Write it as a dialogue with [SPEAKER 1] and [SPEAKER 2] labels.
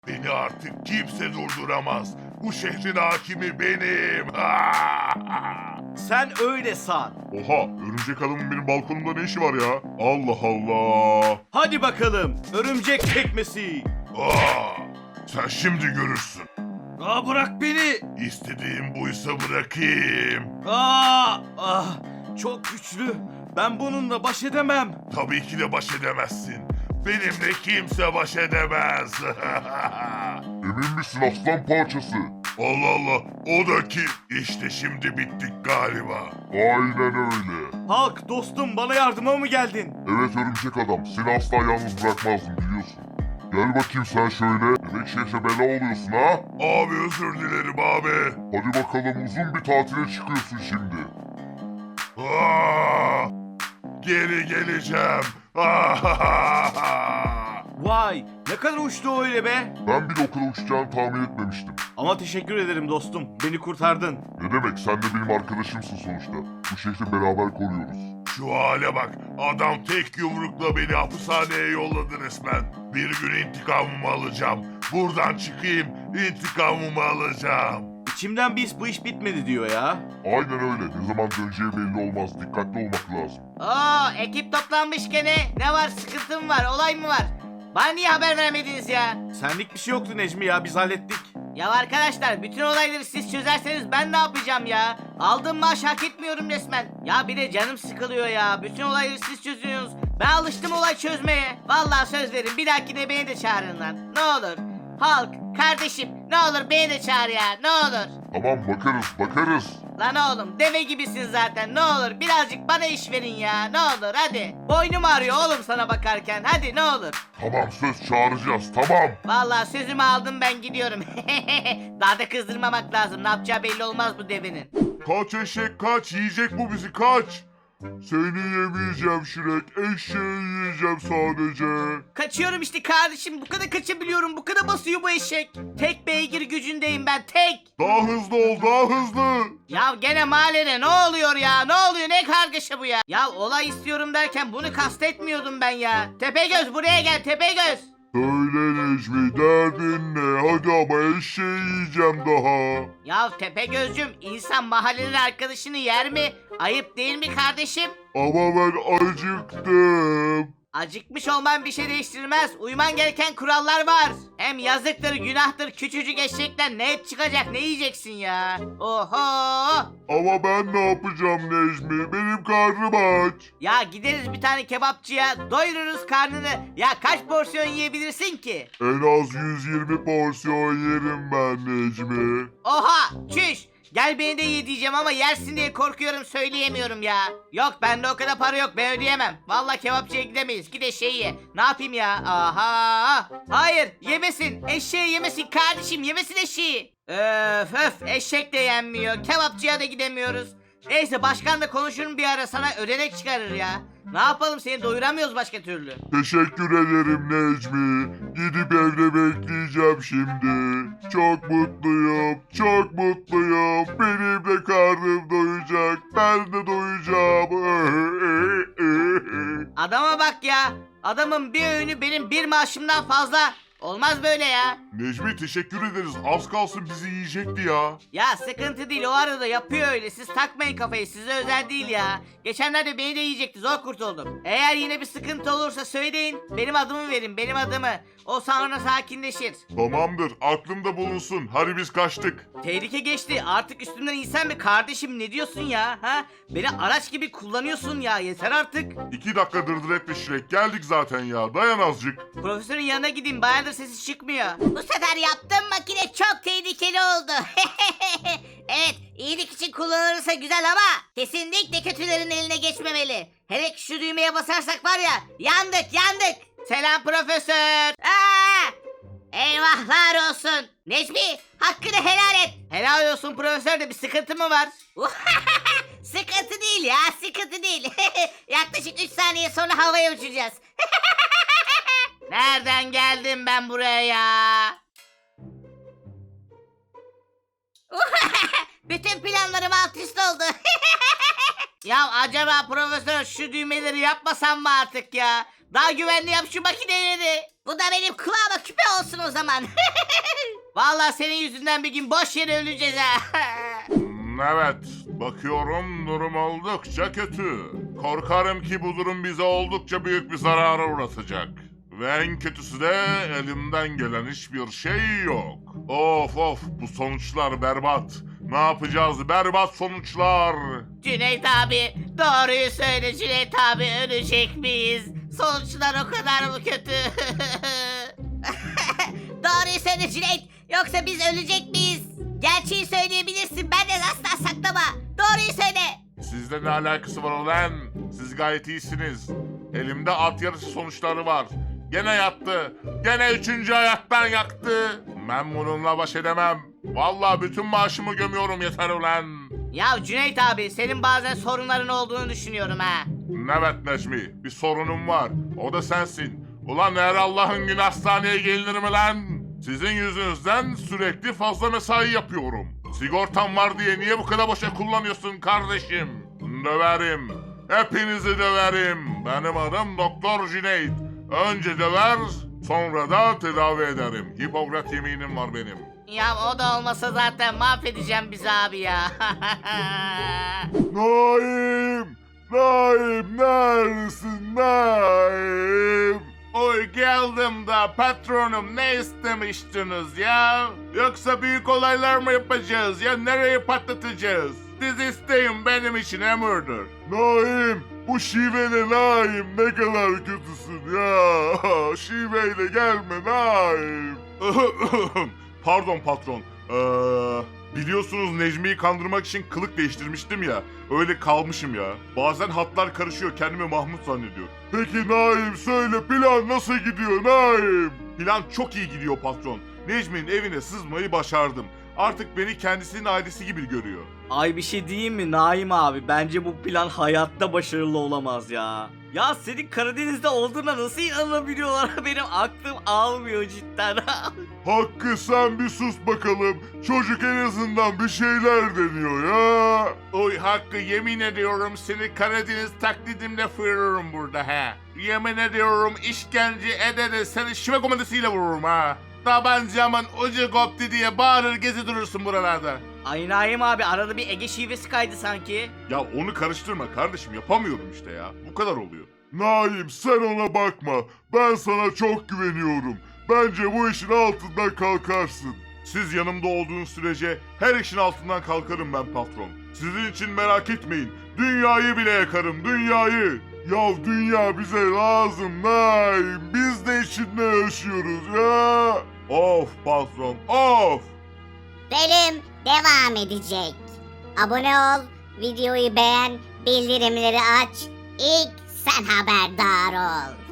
[SPEAKER 1] Beni artık kimse durduramaz. Bu şehrin hakimi benim.
[SPEAKER 2] Sen öyle san.
[SPEAKER 1] Oha, örümcek adamın benim balkonumda ne işi var ya? Allah Allah.
[SPEAKER 2] Hadi bakalım örümcek tekmesi.
[SPEAKER 1] Sen şimdi görürsün.
[SPEAKER 2] Bırak beni.
[SPEAKER 1] İstediğim buysa bırakayım.
[SPEAKER 2] Çok güçlü. Ben bununla baş edemem.
[SPEAKER 1] Tabii ki de baş edemezsin. Benimle kimse baş edemez. Emin misin aslan parçası? Allah Allah, o da kim? İşte şimdi bittik galiba. Aynen öyle.
[SPEAKER 2] Hulk dostum, bana yardıma mı geldin?
[SPEAKER 1] Evet örümcek adam, seni asla yalnız bırakmazdım biliyorsun. Gel bakayım sen şöyle. Demek şehre bela oluyorsun ha? Abi özür dilerim abi. Hadi bakalım uzun bir tatile çıkıyorsun şimdi. Geri geleceğim.
[SPEAKER 2] Vay, ne kadar uçtu öyle be.
[SPEAKER 1] Ben bile o kadar uçacağını tahmin etmemiştim.
[SPEAKER 2] Ama teşekkür ederim dostum. Beni kurtardın.
[SPEAKER 1] Ne demek, sen de benim arkadaşımsın sonuçta. Bu şehri beraber koruyoruz. Şu hale bak, adam tek yumrukla beni hapishaneye yolladı resmen. Bir gün intikamımı alacağım. Buradan çıkayım, intikamımı alacağım.
[SPEAKER 2] İçimden bir his bu iş bitmedi diyor ya.
[SPEAKER 1] Aynen öyle, ne zaman döneceği belli olmaz. Dikkatli olmak lazım.
[SPEAKER 3] Ekip toplanmış gene. Ne var, sıkıntı mı var, olay mı var? Bana niye haber vermediniz ya?
[SPEAKER 2] Senlik bir şey yoktu Necmi ya, biz hallettik.
[SPEAKER 3] Ya arkadaşlar, bütün olayları siz çözerseniz ben ne yapacağım ya? Aldığım maaş hak etmiyorum resmen. Ya bir de canım sıkılıyor ya. Bütün olayları siz çözüyorsunuz. Ben alıştım olay çözmeye. Vallahi söz verin, bir dahakine beni de çağırın lan. Ne olur. Hulk, kardeşim, ne olur beni de çağır ya, ne olur.
[SPEAKER 1] Tamam, bakarız.
[SPEAKER 3] Lan oğlum, deve gibisin zaten, ne olur birazcık bana iş verin ya, ne olur hadi. Boynum ağrıyor oğlum sana bakarken, hadi ne olur.
[SPEAKER 1] Tamam, söz çağıracağız, tamam.
[SPEAKER 3] Vallahi sözümü aldım, ben gidiyorum. Daha da kızdırmamak lazım, ne yapacağı belli olmaz bu devenin.
[SPEAKER 1] Kaç eşek kaç, yiyecek bu bizi, kaç. Seni yemeyeceğim Şirek, eşeği yiyeceğim sadece.
[SPEAKER 3] Kaçıyorum işte kardeşim, bu kadar kaçabiliyorum, bu kadar basıyor bu eşek. Tek beygir gücündeyim ben, tek.
[SPEAKER 1] Daha hızlı ol, daha hızlı.
[SPEAKER 3] Ya gene mahallede ne oluyor ya, ne oluyor, ne kargaşa bu ya. Ya olay istiyorum derken bunu kastetmiyordum ben ya. Tepegöz buraya gel, Tepegöz.
[SPEAKER 1] Söyle Necmi, derdin ne? Hadi ama eşeği yiyeceğim daha.
[SPEAKER 3] Ya Tepegözcüm, insan mahallenin arkadaşını yer mi? Ayıp değil mi kardeşim?
[SPEAKER 1] Ama ben acıktım.
[SPEAKER 3] Acıkmış olman bir şey değiştirmez. Uyman gereken kurallar var. Hem yazıktır, günahtır, küçücük eşekten ne et çıkacak, ne yiyeceksin ya? Oho!
[SPEAKER 1] Ama ben ne yapacağım Necmi? Benim karnım aç.
[SPEAKER 3] Ya gideriz bir tane kebapçıya, doyururuz karnını. Ya kaç porsiyon yiyebilirsin ki?
[SPEAKER 1] En az 120 porsiyon yerim ben Necmi.
[SPEAKER 3] Oha! Çüş! Gel beni de ye diyeceğim ama yersin diye korkuyorum, söyleyemiyorum ya. Yok, bende o kadar para yok, ben ödeyemem. Vallahi kebapçıya gidemeyiz, git eşeği ye. Ne yapayım ya? Aha! Hayır, yemesin, eşeği yemesin kardeşim, yemesin eşeği. Öf, eşek de yenmiyor, kebapçıya da gidemiyoruz. Neyse, başkan da konuşurum bir ara, sana ödenek çıkarır ya. Ne yapalım, seni doyuramıyoruz başka türlü.
[SPEAKER 1] Teşekkür ederim Necmi. Gidip evde bekleyeceğim şimdi. Çok mutluyum, çok mutluyum. Benim de karnım doyacak. Ben de doyacağım.
[SPEAKER 3] Adama bak ya, adamın bir öğünü benim bir maaşımdan fazla. Olmaz böyle ya.
[SPEAKER 1] Necmi teşekkür ederiz. Az kalsın bizi yiyecekti ya.
[SPEAKER 3] Ya sıkıntı değil, o arada yapıyor öyle, siz takmayın kafayı, size özel değil ya. Geçenlerde beni de yiyecekti, zor kurtuldum. Eğer yine bir sıkıntı olursa söyleyin, benim adımı verin, benim adımı. O sonra sakinleşir.
[SPEAKER 1] Tamamdır, aklımda bulunsun. Hadi biz kaçtık.
[SPEAKER 3] Tehlike geçti, artık üstümden insan bir kardeşim, ne diyorsun ya, ha? Beni araç gibi kullanıyorsun ya, yeter artık.
[SPEAKER 1] 2 dakika dırdır etme Şirek. Geldik zaten ya. Dayan azıcık.
[SPEAKER 3] Profesörün yanına gideyim, bayağıdır sesi çıkmıyor. Bu sefer yaptığım makine çok tehlikeli oldu. Evet, iyilik için kullanılırsa güzel ama kesinlikle kötülerin eline geçmemeli. Hele ki şu düğmeye basarsak var ya, yandık. Selam profesör. Eyvahlar olsun. Necmi, hakkını helal et. Helal olsun profesör, de bir sıkıntı mı var? Sıkıntı değil ya, sıkıntı değil. Yaklaşık 3 saniye sonra havaya uçacağız. Nereden geldim ben buraya ya? Bütün planlarım alt üst oldu. Ya acaba profesör şu düğmeleri yapmasam mı artık ya? Daha güvenli yap şu makineleri. Bu da benim kulağıma küpe olsun o zaman. Vallahi senin yüzünden bir gün boş yere öleceğiz ha.
[SPEAKER 1] Evet, bakıyorum durum oldukça kötü. Korkarım ki bu durum bize oldukça büyük bir zarara uğratacak. Ve en kötüsü de elimden gelen hiçbir şey yok. Of bu sonuçlar berbat. Ne yapacağız berbat sonuçlar.
[SPEAKER 3] Cüneyt abi doğruyu söyle Cüneyt abi, ölecek miyiz? Sonuçlar o kadar mı kötü? Doğruyu söyle Cüneyt, yoksa biz ölecek miyiz? Gerçeği söyleyebilirsin, benden asla saklama. Doğruyu söyle.
[SPEAKER 1] Sizle ne alakası var ulan? Siz gayet iyisiniz. Elimde at yarışı sonuçları var. Gene yattı. Gene 3. hayattan yaktı. Ben bununla baş edemem. Vallahi bütün maaşımı gömüyorum yeter ulan.
[SPEAKER 3] Ya Cüneyt abi, senin bazen sorunların olduğunu düşünüyorum ha.
[SPEAKER 1] Evet Necmi, bir sorunum var. O da sensin. Ulan her Allah'ın günü hastaneye gelinir mi lan? Sizin yüzünüzden sürekli fazla mesai yapıyorum. Sigortam var diye niye bu kadar boşa kullanıyorsun kardeşim? Döverim. Hepinizi döverim. Benim adım Doktor Cüneyt. Önce döver, sonra da tedavi ederim. Hipokrat yeminim var benim.
[SPEAKER 3] Ya o da olmasa zaten mahvedeceğim bizi abi ya.
[SPEAKER 1] Naim! Naim neredesin Naim? Oy geldim da patronum, ne istemiştiniz ya? Yoksa büyük olaylar mı yapacağız ya, nereyi patlatacağız? Siz isteyin, benim için emirdir. Naim, bu şiveyle Naim ne kadar kötüsün ya. Şiveyle gelme Naim. Pardon patron. Biliyorsunuz Necmi'yi kandırmak için kılık değiştirmiştim ya. Öyle kalmışım ya. Bazen hatlar karışıyor, kendimi Mahmut zannediyorum. Peki Naim söyle, plan nasıl gidiyor Naim? Plan çok iyi gidiyor patron. Necmi'nin evine sızmayı başardım. Artık beni kendisinin ailesi gibi görüyor.
[SPEAKER 2] Ay bir şey diyeyim mi Naim abi? Bence bu plan hayatta başarılı olamaz ya. Ya senin Karadeniz'de olduğuna nasıl inanabiliyorlar? Benim aklım almıyor cidden.
[SPEAKER 1] Hakkı sen bir sus bakalım. Çocuk en azından bir şeyler deniyor ya. Oy Hakkı, yemin ediyorum seni Karadeniz taklidimle fırırım burada ha. Yemin ediyorum işkence ede seni şive komandasıyla vururum ha. Tabancamın ucu koptu diye bağırır gezi durursun buralarda.
[SPEAKER 2] Ay Naim abi, arada bir Ege şivesi kaydı sanki.
[SPEAKER 1] Ya onu karıştırma kardeşim, yapamıyorum işte ya. Bu kadar oluyor. Naim sen ona bakma. Ben sana çok güveniyorum. Bence bu işin altından kalkarsın. Siz yanımda olduğunuz sürece her işin altından kalkarım ben patron. Sizin için merak etmeyin. Dünyayı bile yakarım, dünyayı. Ya dünya bize lazım Naim. Biz de içinde yaşıyoruz ya. Of patron, of.
[SPEAKER 4] Bölüm devam edecek. Abone ol, videoyu beğen, bildirimleri aç. İlk sen haberdar ol.